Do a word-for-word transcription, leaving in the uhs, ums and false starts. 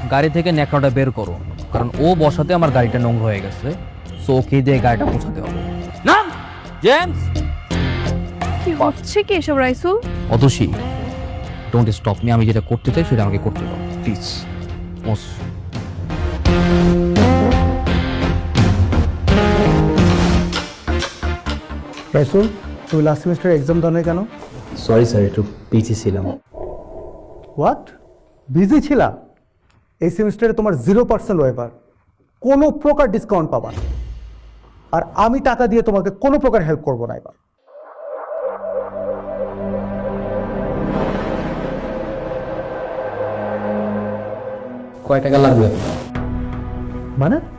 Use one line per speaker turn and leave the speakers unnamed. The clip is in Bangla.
গাড়ি থেকে ন্যাকড়াটা বের করো, কারণ ও বসাতে আমার গাড়িটা নোংরা হয়ে গেছে। সো ওকে দিয়ে গাড়িটা পৌঁছাতে হবে। না জেমস,
কি হচ্ছে কি এসব Raisul?
Atasi, don't stop me. আমি যেটা করতে চাই সেটা আমাকে করতে দাও প্লিজ। মোস
রাইসুল, তুমি লাস্ট সেমিস্টার এক্সাম দাও নাই কেন?
সরি স্যার, একটু পিছিয়ে ছিলাম।
হোয়াট, বিজি ছিলা? এই সেমিস্টারে তোমার জিরো পার্সেন্ট ওয়েভার, কোনো প্রকার ডিসকাউন্ট পাবা না। আর আমি টাকা দিয়ে তোমাকে কোনো প্রকার হেল্প করবো না এবার।
কয় টাকা লাগবে?
মানে